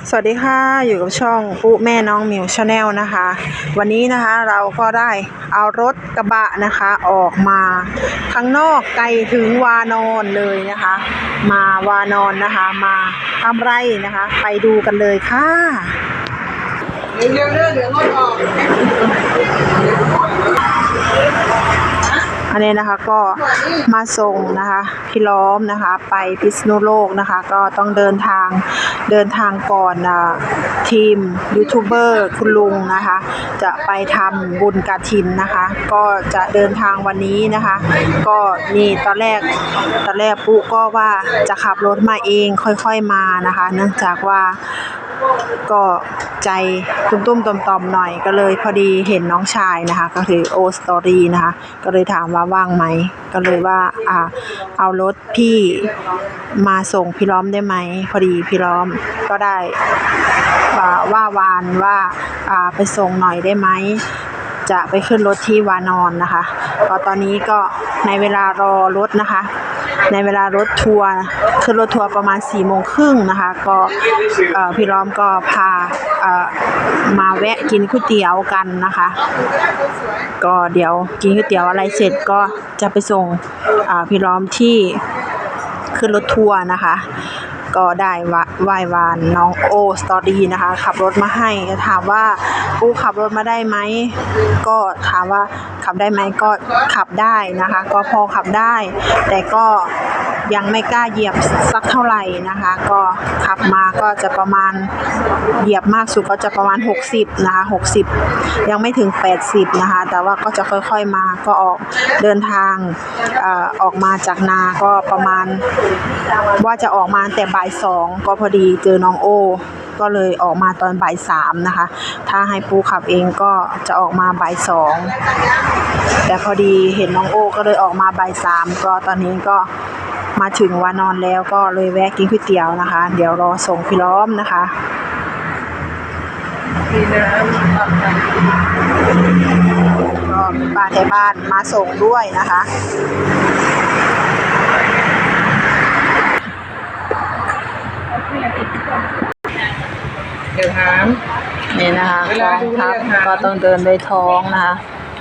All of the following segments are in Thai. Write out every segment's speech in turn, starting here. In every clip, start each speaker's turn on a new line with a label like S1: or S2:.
S1: สวัสดีค่ะอยู่กับช่องปุ๊แม่น้องมิวชาแนลนะคะวันนี้นะคะเราก็ได้เอารถกระบะนะคะออกมาข้างนอกไกลถึงวานอนเลยนะคะ มาวานอนนะคะมาทำไรนะคะไปดูกันเลยค่ะ
S2: เดี๋ยวรถออก
S1: อันนี้นะคะก็มาส่งนะคะพี่ล้อมนะคะไปพิษณุโลกนะคะก็ต้องเดินทางก่อนทีมยูทูบเบอร์คุณลุงนะคะจะไปทำบุญกฐินนะคะก็จะเดินทางวันนี้นะคะก็นี่ตอนแรกปุ๊ก็ว่าจะขับรถมาเองค่อยๆมานะคะเนื่องจากว่าก็ใจตุ้มๆต่อมๆหน่อยก็เลยพอดีเห็นน้องชายนะคะก็คือโอสตอรี่นะคะก็เลยถามว่าว่างไหมก็เลยว่าเอารถพี่มาส่งพี่ล้อมได้ไหมพอดีพี่ล้อมก็ได้ว่าวานว่าไปส่งหน่อยได้ไหมจะไปขึ้นรถที่วานอนนะคะก็ตอนนี้ก็ในเวลารอรถนะคะในเวลารถทัวร์ขึ้นรถทัวร์ประมาณ4:30นะคะก็พี่ล้อมก็พามาแวะกินก๋วยเตี๋ยวกันนะคะก็เดี๋ยวกินก๋วยเตี๋ยวอะไรเสร็จก็จะไปส่งพี่ล้อมที่ขึ้นรถทัวร์นะคะก็ได้ไหว้วานน้องโอสตอรี่นะคะขับรถมาให้ถามว่าปูขับรถมาได้ไหมก็ถามว่าขับได้ไหมก็ขับได้นะคะก็พอขับได้แต่ก็ยังไม่กล้าเหยียบสักเท่าไหร่นะคะก็ขับมาก็จะประมาณเหยียบมากสุดก็จะประมาณ60นะคะ60ยังไม่ถึง80นะคะแต่ว่าก็จะค่อยๆมาก็ออกเดินทางออกมาจากนาก็ประมาณว่าจะออกมาแต่บ่าย2ก็พอดีเจอน้องโอก็เลยออกมาตอนบ่าย3นะคะถ้าให้ปูขับเองก็จะออกมาบ่าย2แต่พอดีเห็นน้องโอก็เลยออกมาบ่าย3ก็ตอนนี้ก็มาถึงวานอนแล้วก็เลยแวะกินก๋วยเตี๋ยวนะคะเดี๋ยวรอส่งพี่ล้อมนะคะก็มีป้าแถวบ้านมาส่งด้วยนะคะ
S2: เดี๋ยวถาม
S1: นี่นะคะกองทัพก็ต้องเดินด้วยท้องนะคะ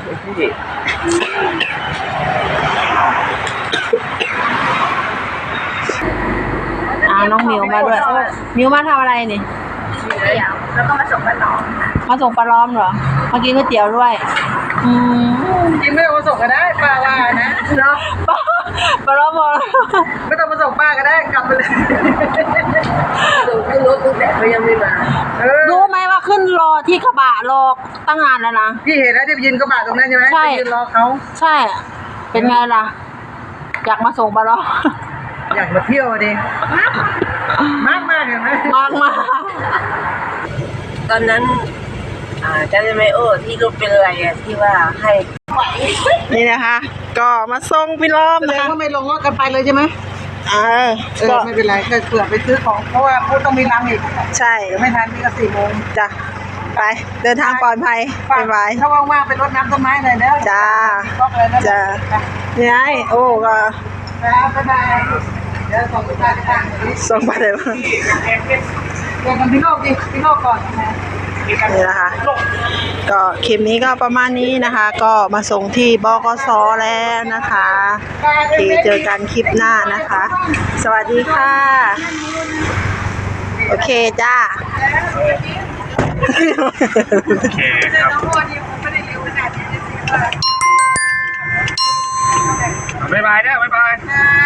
S1: น้องมิวมาด้วยมิวมาทำอะไรนี่
S3: แล้วก็มาส่งปลาล้อม
S1: มาส่งปลาล้อมเหรอมากินก๋วยเตี๋ยวด้วย
S2: กินไม่ต้องมาส่งก็ได้ป้าว่านะเนาะ
S1: ปลาล้อมบอก
S2: ไม่ต้องมาส่งป้าก็ได้กลับไปเลยขึ้นรถตู้แต่ก็ยังไม่มา
S1: รู้ไหมว่าขึ้นรอที่กระบะรอตั้งนานแล้วนะ
S2: พี่เห็นแล้วที่ยืนกระบะตรงนั้นใช่ไหม
S1: ใช่
S2: ยืนรอเขา
S1: ใช่เป็นไงล่ะอยากมาส่งปลาล้อม
S2: อยากมาเที่ยวดิมากเห็นไหม
S1: มาก
S3: ตอนนั้นจำได้ไหมที่รูปเป็นอะไรที่ว่าให้
S1: นี่นะคะก็มาส่งพี่ล้อมนะคะ
S2: ก็ไม่ลงรถกันไปเลยใช่ไหมก็ไม่เป็นไรก็เผื่อไปซื้อของเพราะว่าพูดต้องมีรังอีก
S1: ใช่
S2: ไม่ทันนี่ก็4 โมง
S1: จ้ะไปเดินทางปลอดภัยบ๊ายบาย
S2: ถ้าว่างๆไปรดน้ำต้นไม้หน่อยเด้อ
S1: จ้าจ้านี่ไงโอ้ก็
S2: เดี๋ยวส่งไป
S1: ส่งไปเลยว่า
S2: เดี๋ยวกันพี่โลกก่อน
S1: นี่นะคะก็คลิปนี้ก็ประมาณนี้นะคะก็มาส่งที่บกส.แล้วนะคะที่เจอกันคลิปหน้านะคะสวัสดีค่ะโอเคจ้า
S4: โอเคครับบ๊ายบายนะบ๊ายบาย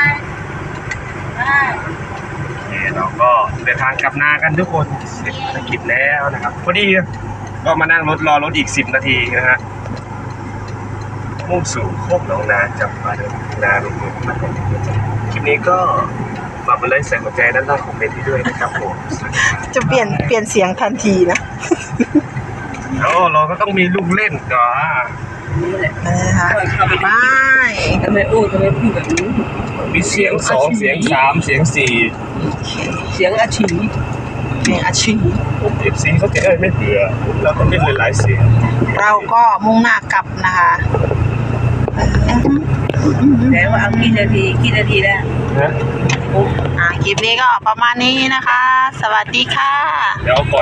S4: เราก็เดินทางกลับนากันทุกคนเสร็จภารกิจแล้วนะครับพอดีก็มานั่งรอรถอีก10 นาทีนะฮะมุ่งสู่โคกหนองนาจังหวัดนาลุงเมืองคลิปนี้ก็ฝากไปเลยใส่หัวใจด้านล่างคอมเมนต์ที่ด้วยนะครับผม
S1: จะเปลี่ยนเสียงทันทีนะ
S4: เราก็ต้องมีลูกเล่นก่อน
S1: นะคะไป
S2: ทำไมพูดแบบนี้
S4: มีเสียง2เสียง3เสียง4
S2: เสียงอาชี
S4: FCเขาจะไม่เบื่อเราต้องเล่นหลายๆเสียง
S1: เราก็มุ่งหน้ากลับนะคะ
S3: แล้วว่าเอากี่นาทีแล้ว
S4: นะ
S1: คลิปนี้ก็ประมาณนี้นะคะ สวัสดีค่ะ
S4: เดี๋ยวก่อน